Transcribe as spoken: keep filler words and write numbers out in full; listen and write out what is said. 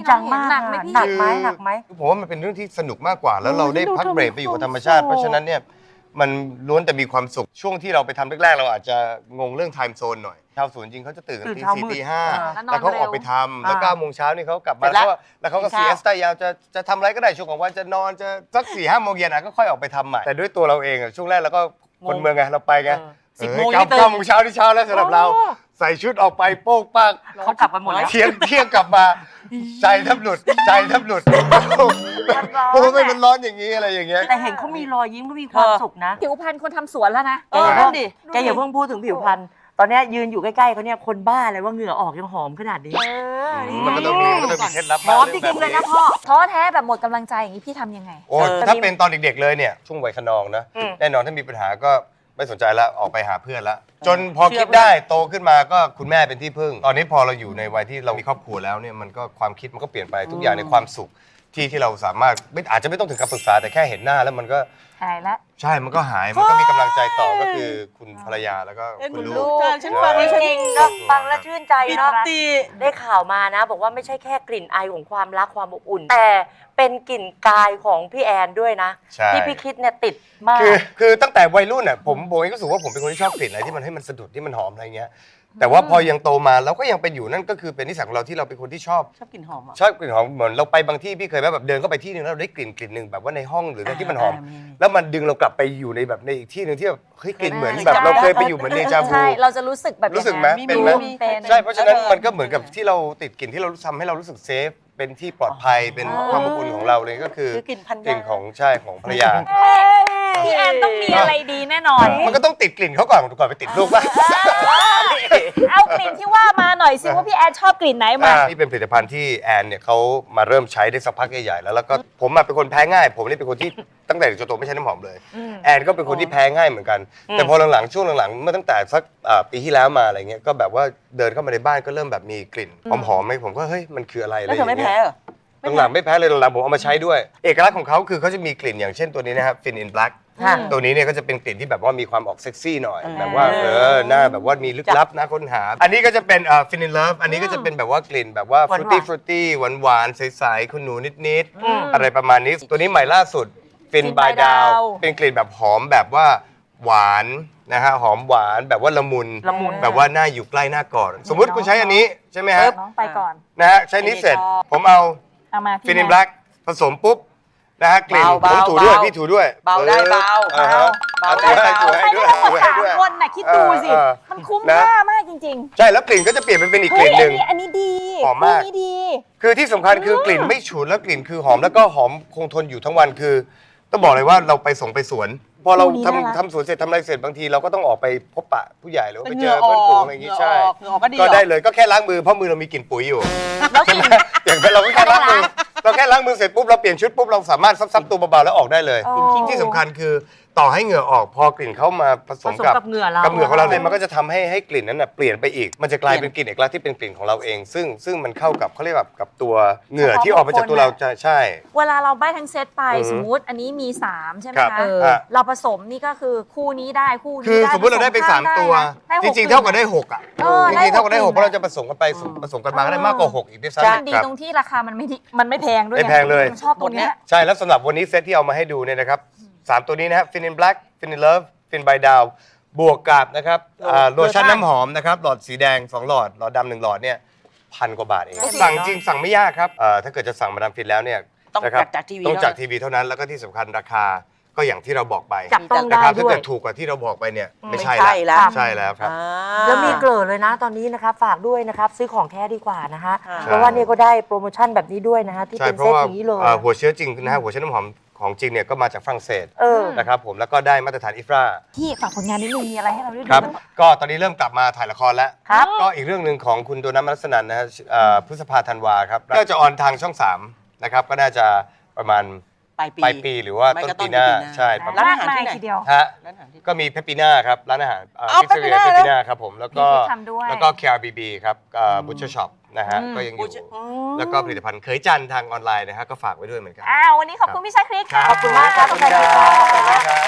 จังมากหนักไหมพี่หนักไหมหนักไหมผมว่ามันเป็นเรื่องที่สนุกมากกว่า แล้วเราได้พักเบรกไปอยู่กับธรรมชาติเพราะฉะนั้นเนี่ยมันล้วนแต่มีความสุขช่วงที่เราไปทำแรกๆเราอาจจะงงเรื่องไทม์โซนหน่อยชาวสวนจริงเขาจะตื่นตีสี่ตีห้าแล้วเขาออกไปทำแล้วเก้าโมงเช้านี่เขากลับมาแล้วแล้วเขาก็ซีเอสตายาวจะจะทำอะไรก็ได้ช่วงของวันจะนอนจะสักสี่ห้าโมงเย็นอ่ะก็ค่อยออกไปทำใหม่แต่ด้วยตัวเราเองอ่ะช่วงแรกเราก็คนเมืองไงเราไปไงสิบโมงเก้าโมงเช้าที่เช้าแล้วสำหรับเราใส่ชุดออกไปโป๊กปังเขากลับไปหมดแล้วเที่ยงเที่ยงกลับมาใจแทบหลุดใจแทบหลุดเพราะว่ามันร้อนอย่างนี้อะไรอย่างเงี้ยแต่เห็นเขามีรอยยิ้มเขามีความสุขนะผิวพรรณคนทำสวนแล้วนะแกอย่าเพิ่งดิแกอย่าเพิ่งพูดถึงผิวพรรณตอนนี้ยืนอยู่ใกล้ๆเขาเนี่ยคนบ้าอะไรว่าเหงื่อออกยังหอมขนาดนี้มันก็ต้องมีมันก็ต้องมีเคล็ดลับหอมจริงๆเลยนะพ่อท้อแท้แบบหมดกำลังใจอย่างนี้พี่ทำยังไงโอ้ถ้าเป็นตอนเด็กๆเลยเนี่ยช่วงวัยขนองนะแน่นอนถ้ามีปัญหาก็ไม่สนใจแล้วออกไปหาเพื่อนแล้วจนพอคิดได้โตขึ้นมาก็คุณแม่เป็นที่พึ่งตอนนี้พอเราอยู่ในวัยที่เรามีครอบครัวแล้วเนี่ยมันก็ความคิดมันก็เปลี่ยนไปทุกอย่างในความสุขที่ที่เราสามารถไม่อาจจะไม่ต้องถึงกับปรึกษาแต่แค่เห็นหน้าแล้วมันก็หายละใช่มันก็หายมันก็มีกำลังใจต่อก็คือคุณภรรยาแล้วก็คุณลูกฉันฟังแล้วจริงเนาะฟังแล้วชื่นใจเนาะได้ข่าวมานะบอกว่าไม่ใช่แค่กลิ่นไอของความรักความอบอุ่นแต่เป็นกลิ่นกายของพี่แอนด้วยนะที่พี่คิดเนี่ยติดมากคือคือตั้งแต่วัยรุ่นอ่ะผมผมเองก็รู้สึกว่าผมเป็นคนที่ชอบกลิ่นอะไรที่มันให้มันสะดุดที่มันหอมอะไรเงี้ยแต่ว่าพอยังโตมาเราก็ยังเป็นอยู่นั่นก็คือเป็นนิสัยของเราที่เราเป็นคนที่ชอบชอบกลิ่นหอมชอบกลิ่นหอมเหมือนเราไปบางที่พี่เคยแบบเดินเข้าไปที่นึงแล้วเราได้กลิ่นกลิ่นหนึ่งแบบว่าในห้องหรือในที่มันหอมแล้วมันดึงเรากลับไปอยู่ในแบบในอีกที่นึงที่แบบเฮ้ยกลิ่นเหมือนแบบเราเคยไปอยู่เหมือนเดจาวูใช่เราจะรู้สึกแบบรู้สึกไหมเป็นไหมใช่เพราะฉะนั้นมันก็เหมือนกับที่เราติดกลิ่นที่เราทำให้เรารู้สึกเซฟเป็นที่ปลอดภัยเป็นความอบอุ่นของเราเลยก็คือกลิ่นของใช่ของภรรยาพี่แอนต้องมีอะไรดีแน่นอนมันก็ต้องติดกลิ่นเขาก่อนก่อนไปติดลูกป่ะเอากลิ่นที่ว่ามาหน่อยสิว่าพี่แอนชอบกลิ่นไหนมานี่เป็นผลิตภัณฑ์ที่แอนเนี่ยเขามาเริ่มใช้ได้สักพักใหญ่ๆแล้วแล้วก็ผมมาเป็นคนแพ้ง่ายผมนี่เป็นคนที่ตั้งแต่เด็กจนโตไม่ใช้น้ำหอมเลยแอนก็เป็นคนที่แพ้ง่ายเหมือนกันแต่พอหลังๆช่วงหลังๆเมื่อตั้งแต่สักปีที่แล้วมาอะไรเงี้ยก็แบบว่าเดินเข้ามาในบ้านก็เริ่มแบบมีกลิ่นหอมๆไหมผมก็เฮ้ยมันคืออะไรอะไรอย่างเงี้ยหลังๆไม่แพ้เลยหลังๆผมเอามาใช้ด้วยเอกลักษณ์ของเขาคือเขาจะมีกลิ่นอย่างเช่นตัวนี้นะครับฟินอินแบล็กตัวนี้เนี่ยก็จะเป็นกลิ่นที่แบบว่ามีความออกเซ็กซี่หน่อยแบบว่าเออหน้าแบบว่ามีลึกลับนะค้นหาอันนี้ก็จะเป็นฟินอินเลิฟอันนี้ก็จะเป็นแบบว่ากลิ่นแบบว่าฟรุตตี้ฟรุตตี้หวานหวานใสๆคุณหนูนิดๆอะไรประมาณนี้ตัวนี้ใหม่ล่าสุดฟินบายดาวเป็นกลิ่นแบบหอมแบบว่าหวานนะฮะหอมหวานแบบว่าละมุนแบบว่าหน้าอยู่ใกล้หน้ากอดสมมุติคุณใช้อันนี้ใช่ไหมฮะน้องไปก่อนนะฮะใช้นี้เสร็จผมเอาฟินอินแบล็กผสมปุ๊บนะฮะกลิ่นผมถูด้วยพี่ถูด้วยเบาได้เบาเบาได้เบาถูให้ด้วยถูให้ด้วยคนน่ะคิดดูสิมันคุ้มค่ามากจริงๆใช่แล้วกลิ่นก็จะเปลี่ยนเป็นอีกกลิ่นหนึ่งอันนี้ดีหอมมากคือที่สำคัญคือกลิ่นไม่ฉุนแล้วกลิ่นคือหอมแล้วก็หอมคงทนอยู่ทั้งวันคือต้องบอกเลยว่าเราไปส่งไปสวนพอเราทำทำสวนเสร็จทำอะไรเสร็จบางทีเราก็ต้องออกไปพบปะผู้ใหญ่หรือไปเจอเพื่อนฝูงอะไรอย่างงี้ใช่ก็ได้เลยก็แค่ล้างมือเพราะมือเรามีกลิ่นปุ๋ยอยู่ใช่ไหมอย่างเราก็แค่ล้างมือเราแค่ล้างมือเสร็จปุ๊บเราเปลี่ยนชุดปุ๊บเราสามารถซับๆตัวเบาๆแล้วออกได้เลยที่สำคัญคือต่อให้เหงื่อออกพอกลิ่นเข้ามาผสมกับเหงื่อเรากับเหงื่อของเราเลยมันก็จะทำให้ให้กลิ่นนั้นเปลี่ยนไปอีกมันจะกลายเป็นกลิ่นเอกลักษณ์ที่เป็นกลิ่นของเราเองซึ่งซึ่งมันเข้ากับเขาเรียกแบบกับตัวเหงื่อที่ออกมาจากตัวเราจะใช่เวลาเราได้ทั้งเซตไปสมมุติอันนี้มีสามใช่ไหมคะเราผสมนี่ก็คือคู่นี้ได้คู่นี้คือสมมติเราได้ไปสามตัวจริงๆเท่ากับได้หกอ่ะจริงๆเท่ากับได้หกเพราะเราจะผสมกันไปผสมกันมาก็ได้มากกว่าหกอีกด้วยซ้ำดีตรงที่ราคามันไม่มันไม่แพงด้วยไม่แพงเลยชอบตัวนี้ใช่แล้วสำหรับวันนี้เซตที่เอามาให้ดูเนี่ยนะครับสามตัวนี้นะครับฟินอินแบล็กฟินอินเลิฟฟินบายดาวบวกกับนะครับโลชั่นน้ำหอมนะครับหลอดสีแดงสองหลอดหลอดดำหนึ่งหลอดเนี่ยพันกว่าบาทเองสั่งจริงสั่งไม่ยากครับถ้าเกิดจะสั่งมาดามฟินแล้วเนี่ยต้องจากทีวีต้องจากทีวีเท่านั้นแล้วก็ที่สำคัญราคาก็อย่างที่เราบอกไปจับต้องได้ด้วยถ้าเกิดถูกกว่าที่เราบอกไปเนี่ยไม่ใช่แล้วใช่แล้วครับแล้วมีเกลือเลยนะตอนนี้นะครับฝากด้วยนะครับซื้อของแท้ดีกว่านะฮะเพราะว่านี่ก็ได้โปรโมชั่นแบบนี้ด้วยนะฮะที่เป็นเซตอย่างนี้เลยหัวเชื้อจริงนะฮะหัวเชื้อน้ำหอมของจริงเนี่ยก็มาจากฝรั่งเศสนะครับผมแล้วก็ได้มาตรฐานอิฟราที่ฝากผลงานนิดนึงมีอะไรให้เราได้ดูครับก็ตอนนี้เริ่มกลับมาถ่ายละครแล้วก็อีกเรื่องหนึ่งของคุณโดนัท มนัสนันนะฮะพฤษภาธันวาครับก็จะออนทางช่องสามนะครับก็น่าจะประมาณปลายปีหรือว่าต้นปีหน้าใช่ร้านอาหารที่ไหนทีเดียวฮะก็มีเพปปีน่าครับร้านอาหารพิซซ่าเรียเพปปีน่าครับผมแล้วก็แล้วก็ เค อาร์ บี บี ครับบูชเชอร์ช็อปนะฮะก็ยังอยู่แล้วก็ผลิตภัณฑ์เคยจันทางออนไลน์นะฮะก็ฝากไว้ด้วยเหมือนกันอ้าววันนี้ขอบคุณพี่ชาคริสค่ะขอบคุณมากครับ